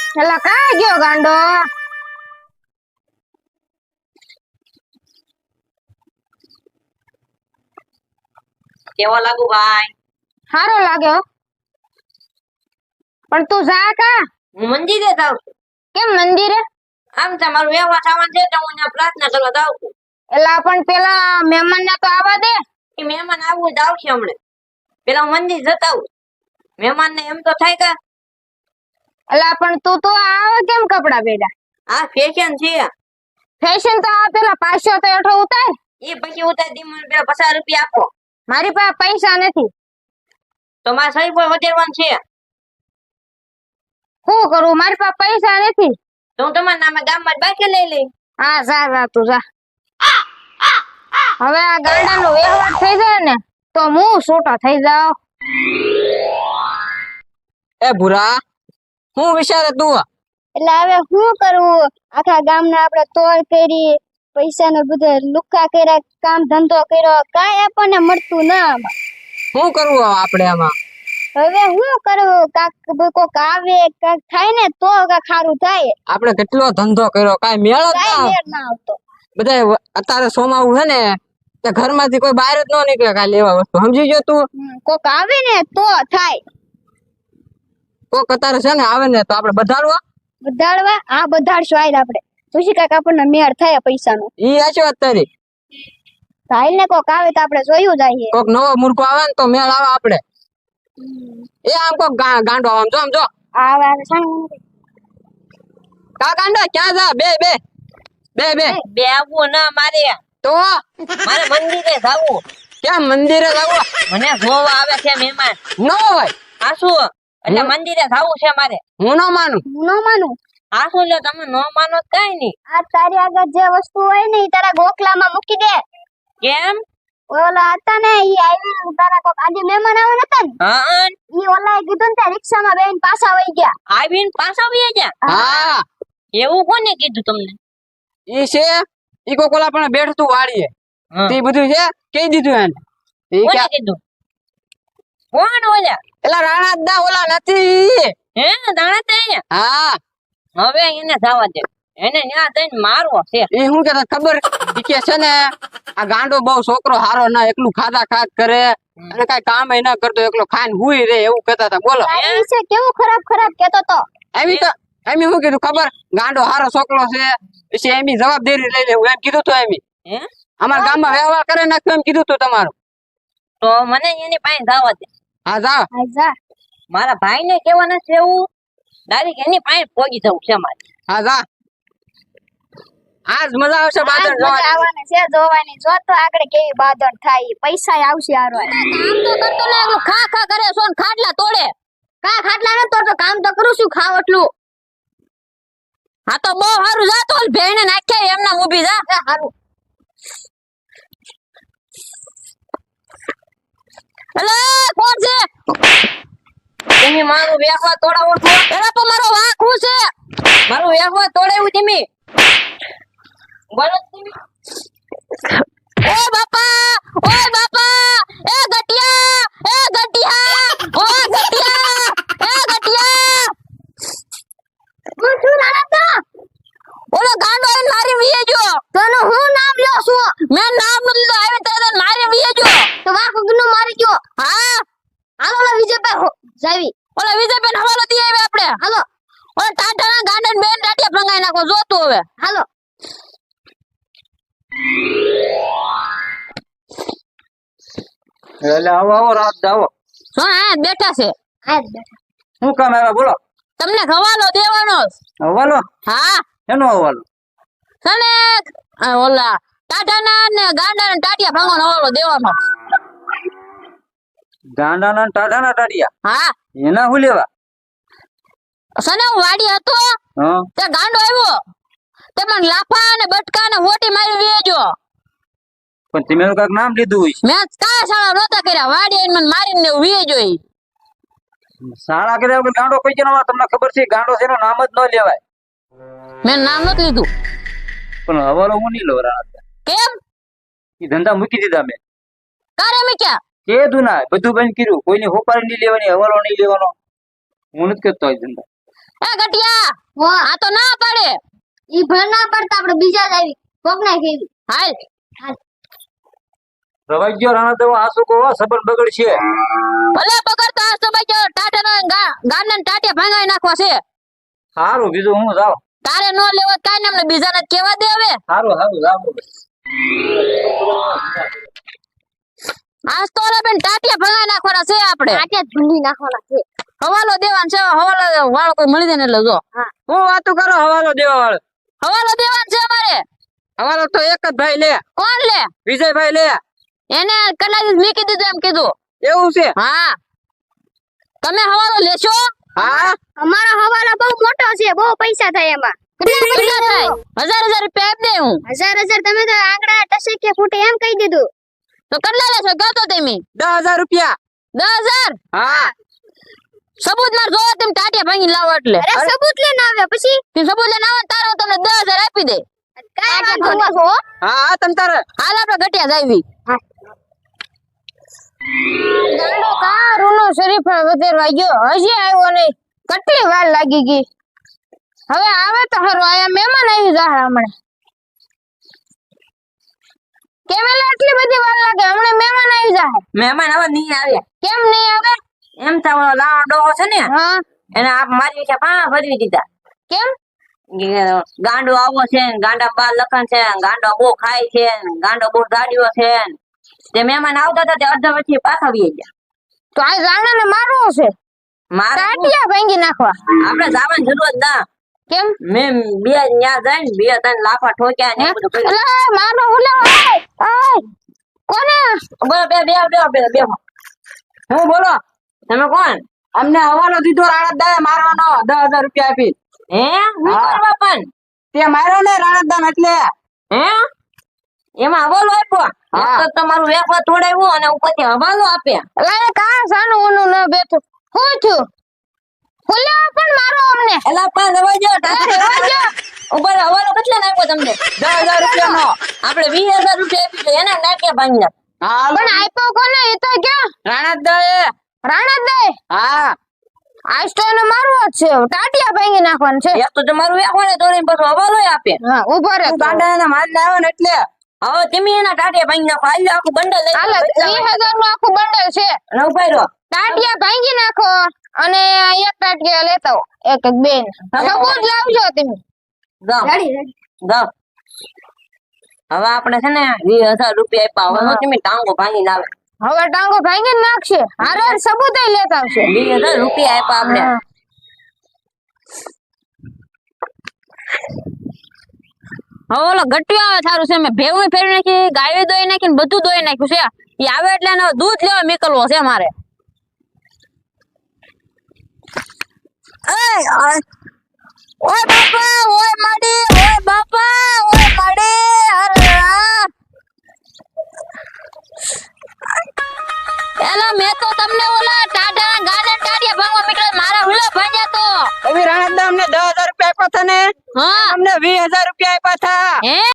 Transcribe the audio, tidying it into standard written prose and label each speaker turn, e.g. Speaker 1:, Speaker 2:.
Speaker 1: એલા કા ગયો ગાંડો?
Speaker 2: કેવો લાગુ ભાઈ?
Speaker 1: સારો લાગ્યો પણ તું જા કા?
Speaker 2: હું મંદિરે જાઉં છું.
Speaker 1: કેમ મંદિરે?
Speaker 2: આમ તમારું વ્યવહાર સામાન છે તો હું ત્યાં પ્રાર્થના કરવા જાઉં છું.
Speaker 1: એલા પણ પેલા મહેમાન ને તો આવવા દે.
Speaker 2: એ મહેમાન આવવું જ આવશે હમણે. પેલા હું મંદિર જતા આવું. મહેમાન ને એમ તો થાય કે
Speaker 1: એલા પણ તું તો આવે કેમ કપડા પહેર્યા?
Speaker 2: આ ફેશન છે.
Speaker 1: ફેશન તો આ પેલા 500 તો એઠો ઉતાર.
Speaker 2: એ પછી ઉતાર દી મને પેલા 50 રૂપિયા આપો.
Speaker 1: મારી પાસે પૈસા નથી.
Speaker 2: તો મારે સહી પર વધારવાનું છે.
Speaker 1: શું કરું? મારી પાસે પૈસા નથી.
Speaker 2: તો હું તમારા નામે ગામમાં જ બાકી લઈ લઈ.
Speaker 1: હા જા તું જા. હવે આ ગાંડાનો વ્યવહાર થઈ જાય ને તો હું છૂટો થઈ જાવ.
Speaker 3: એ ભૂરા, હું વિચારે તું?
Speaker 4: એટલે હવે શું કરવું? આખા ગામના આપણે તોડ કરી, પૈસાનો બધો લુખ્ખા કર્યા, કામ ધંધો કર્યો, કાંઈ આપણને મળતું ના આમાં.
Speaker 3: શું કરવું આપણે આમાં?
Speaker 4: હવે શું કરવું? કોક આવે કાંક થાય ને તો કાંક સારું થાય.
Speaker 3: આપણે કેટલો ધંધો કર્યો, કાંઈ મેળ જ
Speaker 4: કાંઈ
Speaker 3: ના.
Speaker 4: મેળ ના આવતો.
Speaker 3: બધા અત્યારે સોમાવું છે ને તે ઘરમાંથી કોઈ બહાર જ ન નીકળે કાંઈ લેવા વસ્તુ. સમજી ગયો તું?
Speaker 4: કોક આવે ને તો થાય.
Speaker 3: કોક અત્યારે છે ને આવે ને તો આપણે બધાડવા.
Speaker 4: બધાડવા? હા બધાડશું. આય આપણે પછી કાંઈક આપણને મેળ થાય પૈસાનો.
Speaker 3: ઈ સાચી વાત તારી.
Speaker 4: થાય ને કોક આવે તો આપણે જોયું જાય.
Speaker 3: કોક નવો મૂર્ખો આવે ને તો મેળ આવે આપણે. એ આમ કોક ગાંડો આમ જો
Speaker 4: આવે આવે સામે
Speaker 3: કા ગાંડો ક્યાં જા? બે બે બે બે
Speaker 2: બે આવવું ના મારે.
Speaker 3: તો
Speaker 2: મારે મંદિરે જાવું.
Speaker 3: ક્યાં મંદિરે જવું?
Speaker 2: મને જોવા આવે છે મહેમાન.
Speaker 3: ન હોય.
Speaker 2: આ શું? એટલે મંદિરે જાવું છે મારે.
Speaker 3: હું ન માનું.
Speaker 4: હું ન માનું.
Speaker 2: આ શું લ્યો તમે ન માનો તો કાંઈ નહીં.
Speaker 4: આ તારી આગળ જે વસ્તુ હોય ને ઈ તારા ગોખલામાં મૂકી દે.
Speaker 2: કેમ?
Speaker 4: ઓલા હતા ને ઈ આવી તારા કોક આજે મહેમાન આવે નતા ને
Speaker 2: હા
Speaker 4: ઈ ઓલાએ કીધું ને તે રિક્ષામાં બેહીને પાછા વઈ ગયા.
Speaker 2: આવીને પાછા વયા ગયા.
Speaker 3: હા
Speaker 2: એવું કોને કીધું તમને?
Speaker 3: ઈ છે ઈ કોક ઓલા પણ બેઠતું વાળીએ
Speaker 2: હા.
Speaker 3: તે બધું છે કહી દીધું એને. ઈ
Speaker 2: કોને
Speaker 3: કે
Speaker 2: કીધું? કોણ ઓલા?
Speaker 3: એલા રાણા દા ઓલા નથી.
Speaker 2: હે દાણા તે અહીંયા?
Speaker 3: હા
Speaker 2: હવે એને જવા દે. એને ન્યા જઈને મારવો છે.
Speaker 3: ઈ હું કે ખબર ઈ કે છે ને આ ગાંડો બહુ છોકરો હારો ના એકલું ખાધા ખાત કરે અને કઈ કામ ન કરતો એકલો ખાઈને હુઈ રે એવું કહેતા હતા. બોલો
Speaker 4: તારી વિશે કેવું ખરાબ ખરાબ કહેતો તો.
Speaker 3: એમી શું કીધું ખબર? ગાંડો હારો છોકરો છે પછી એમી જવાબદારી લઈ લેવું એમ કીધું તો એમી.
Speaker 2: હે?
Speaker 3: અમારા ગામમાં વ્યવહાર કરે નાખ્યો એમ કીધું તું તમારું.
Speaker 2: તો મને એની પાસે જવા દે.
Speaker 3: હા જા.
Speaker 4: હા જા.
Speaker 2: મારા ભાઈને કહેવાનું છે એવું ડાયરેક્ટ એની પાસે પહોંચી જવું છે મારે.
Speaker 3: હા જા. આજ મજા આવશે બાદલ
Speaker 4: મજા
Speaker 3: જોવાની.
Speaker 4: આવવાની છે જોવાની. જો તો આગળ કેવી બાદળ થાય. પૈસા આવશે હારો.
Speaker 1: કામ તો કરતો ને એટલું ખા ખા કરે છો ને ખાટલા તોડે.
Speaker 4: કા ખાટલા ન તો કામ તો કરું છું ખાવ એટલું.
Speaker 1: હા તો બહુ સારું જા તો ભેણે નાખ્યા એમના ઊભી જા.
Speaker 4: હારું.
Speaker 1: એલે કોણ છે?
Speaker 2: તમે મારું વ્યવહાર તોડાવો છો.
Speaker 1: એલા તો મારો વાંક હું છે?
Speaker 2: મારું વ્યવહાર તોડાવ્યું તમે. બોલો તમે.
Speaker 1: ઓ બાપા એ ગટિયા ઓ ગટિયા
Speaker 4: હું છું રાણા
Speaker 1: ઓલો ગાંડો આઈને મારી વીએ જો.
Speaker 4: તને હું નામ લ્યો છું?
Speaker 1: મેં નામ નથી લીધું આવીને તરત મારી વીએ જો.
Speaker 4: તો વાક ગુનું મારી ગયો.
Speaker 1: હા
Speaker 4: હાલો ઓલા વિજયભાઈ જાવી.
Speaker 1: ઓલા વિજયબેન હવાલો દી આવે આપણે.
Speaker 4: હાલો
Speaker 1: ઓલા ટાટાના ગાંડાને બેન ટાટિયા ભંગાઈ નાખો જોતું હવે.
Speaker 4: હાલો.
Speaker 3: એટલે આવો આવો રાત આવો.
Speaker 1: હા હા બેઠા છે.
Speaker 4: હા બેઠા.
Speaker 3: શું કામ આવ્યા બોલો?
Speaker 1: તમને હવાલો દેવાનો છે.
Speaker 3: હવાલો?
Speaker 1: હા
Speaker 3: એનો હવાલો?
Speaker 1: સને ઓલા ટાટાના ને ગાંડાના ટાટિયા ભંગાનો હવાલો દેવાનો.
Speaker 3: ગાંડાના ને ટાઢાના ટાઢિયા
Speaker 1: હા
Speaker 3: એના હું લેવા?
Speaker 1: સને હું વાડી હતો
Speaker 3: હા
Speaker 1: તે ગાંડો આવ્યો તે મને લાફા અને બટકા ને હોટી મારી વેજો.
Speaker 3: પણ તમે એનું કાંઈક નામ લીધું હોય.
Speaker 1: મેં કા શાળા નહોતા કર્યા વાડી આઈને મને મારીને વેજો.
Speaker 3: શાળા કર્યા વગર ગાંડો કઈ જણા તમને ખબર છે? ગાંડો છે એનું નામ જ ન લેવાય.
Speaker 1: મેં નામ નથી લીધું.
Speaker 3: પણ હવાલો હું નહીં લઉં રાણા.
Speaker 1: કેમ?
Speaker 3: એ ધંધા મૂકી દીધા મેં.
Speaker 1: કારે મેં ક્યાં
Speaker 3: કીધું ના બધું બંધ કર્યું. કોઈની હોપારી નહીં લેવાની, હવાલો નહીં લેવાનો. હું નથી કરતો એ ધંધા.
Speaker 1: એ ગટિયા
Speaker 4: હો
Speaker 1: આ તો ના પાડે.
Speaker 4: ઈ ભર ના પડતા આપણે બીજા જ આવી કોક ના કેવી
Speaker 1: હાલ
Speaker 5: રવાઈ ગયો રાણા દેવા આસુ કો સબર બગડશે.
Speaker 1: ભલે બગડતો આ તો ભાઈ ટાટા ગાંડા ટાટિયા ભાંગાઈ નાખવા છે.
Speaker 5: સારું બીજું હું જાવ.
Speaker 1: તારે નો લેવો કાઈ ને અમને બીજાને કેવા દે હવે.
Speaker 5: સારું સારું જાવ.
Speaker 1: આજ તો ઓલા બેન ટાટિયા ભંગાઈ નાખવાના છે આપણે.
Speaker 4: આટે ઢૂંઢી નાખવાના છે
Speaker 1: હવાલો દેવાનો છે. હવાલો વાળો કોઈ મળી જાય ને એટલે જો
Speaker 3: હું વાતું કરો હવાલો દેવા વાળો.
Speaker 1: હવાલો દેવાનો છે અમારે.
Speaker 3: હવાલો તો એક જ ભાઈ લે,
Speaker 1: કોણ લે?
Speaker 3: વિજયભાઈ લે.
Speaker 1: એને કેટલા દિવસ મૂકી દીધું એમ કીધું.
Speaker 3: એવું છે?
Speaker 1: હા તમે હવાલો લેશો?
Speaker 3: હા
Speaker 4: અમારો હવાલો બહુ મોટો છે બહુ પૈસા થાય એમાં
Speaker 1: કેટલા પૈસા થાય? 1000 રૂપિયા આપી દે હું.
Speaker 4: 1000 તમે તો આંકડા ટસે કે ફૂટે એમ કહી દીધું
Speaker 1: તો કેટલા લેશો કહો તો તમે.
Speaker 3: 10,000 રૂપિયા.
Speaker 1: 10,000
Speaker 3: હા
Speaker 1: સબૂત માર જોવો તમે ટાટિયા ભાંગી લાવો એટલે.
Speaker 4: અરે સબૂત લઈને આવ્યા પછી
Speaker 1: તે સબૂત લઈને આવો ને તારે હું તમને 10,000 આપી દે.
Speaker 4: કાઈ વાંધો નહીં.
Speaker 3: હા તમ તારે
Speaker 1: હાલ આપણે ઘટિયા જાવી.
Speaker 4: ગાંડો કા રૂનો શરીફ વધેરવા ગયો હજી આવ્યો નહીં કેટલી વાર લાગી ગઈ હવે આવે તો હારું આયા મહેમાન આવી જાય હમણે કેમેલા આટલી બધી વાર લાગે હમણે મહેમાન આવી જાય
Speaker 2: મહેમાન હવે નહીં આવે.
Speaker 4: કેમ નહીં આવે
Speaker 2: એમ તો ઓલો લાવો ડોહો છે ને
Speaker 4: હા
Speaker 2: એને આપ મારી છે પા ભરવી દીધા.
Speaker 4: કેમ
Speaker 2: ગાંડો આવો છે ને ગાંડા બાર લખન છે ને ગાંડો બહુ ખાય છે ને ગાંડો બહુ દાડીઓ છે ને. તે મહેમાન આવતા હતા તે અડધા પછી પાછા વી ગયા.
Speaker 4: તો આ રાણાને મારવો છે
Speaker 2: મારે શું?
Speaker 4: ટાટિયા ભાંગી નાખવા
Speaker 2: આપણે જવાની જરૂર જ ના.
Speaker 4: કેમ
Speaker 2: મેં બે ન્યા જઈને બે ત્રણ લાફા ઠોક્યા ને એવું બધું કર્યું.
Speaker 4: અલા મારો હુલો ઓય કોને
Speaker 2: બોલો બે બે બે બે બે
Speaker 3: હું બોલો.
Speaker 2: તમે કોણ?
Speaker 3: અમને હવાલો દીધો રાણતદાએ મારવાનો 10,000 રૂપિયા આપી.
Speaker 2: હે હું
Speaker 3: હા.
Speaker 2: કરવા પણ
Speaker 3: તે માર્યો ને રાણતદાન એટલે.
Speaker 2: હે એમાં હવાલો આપ્યો.
Speaker 3: હા.
Speaker 2: એક તો તમારું વેફર તોડાવ્યું અને ઉપરથી હવાલો આપ્યા.
Speaker 4: અલા કા સાનું ઊનું ન બેઠું હું છું હુલો પણ મારો અમને
Speaker 2: એલા પણ રવાઈ ગયો ટાટા ઉપર હવાલો કેટલા નાખ્યો તમને?
Speaker 3: 10,000 રૂપિયાનો.
Speaker 2: આપણે 20,000 રૂપિયા આપી તો એના નાખ્યા ભાંગી નાખ.
Speaker 3: હા
Speaker 4: પણ આપ્યો કોને એ તો ક્યાં
Speaker 3: રાણતદાએ.
Speaker 4: રાણા દે
Speaker 3: હા
Speaker 4: આજ તો એને મારવો જ છે ટાટિયા ભાંગી નાખવાનું છે
Speaker 2: એક તો તમારું વેફર તોડીને પછી હવાલો આપે.
Speaker 4: હા ઉભો રે
Speaker 3: તું ગાંડાને મારીને આવ્યો ને એટલે.
Speaker 2: હવે તમે એના ટાટિયા ભાંગી નાખો. હાલ આખું બંડલ લઈ
Speaker 4: હાલ
Speaker 2: જાઓ.
Speaker 4: 20,000 નું આખું બંડલ છે
Speaker 2: અને ઉભા રહો.
Speaker 4: ટાટિયા ભાંગી નાખો અને એક ટાટિયા લેતા આવો એક એક બેન સબૂત લાવજો તમે
Speaker 2: જાઓ જાઓ. હવે આપણે છે ને 20,000 રૂપિયા આપ્યા. હવે તમે ટાંગો ભાંગી લાવે.
Speaker 4: હવે ટાંગો ભાંગી જ નાખશે હારે સબૂત લેતા આવશે
Speaker 2: 20,000 રૂપિયા આપ્યા આપણે.
Speaker 4: હા.
Speaker 1: હવે ઓલો ગટિયો આવે સારું છે. મેં ભેગું ફેરવી નાખી ગાયો દોઈ નાખી ને બધું દોઈ નાખ્યું છે. એ આવે એટલે એને દૂધ લેવા નીકળવો છે મારે. ઓય બાપા ઓય માડી ઓય બાપા ઓય માડી અરે એલા મેં તો તમને ઓલા ટાટા ગાર્ડન ટાટિયા ભાંગવા નીકળ્યા મારા હુલા ભાંગ્યા તો.
Speaker 3: હવે રાણતદા અમને 10,000 રૂપિયા આપ્યા હતા ને
Speaker 1: હા
Speaker 3: અમને 20,000 રૂપિયા આપ્યા હતા.
Speaker 1: હે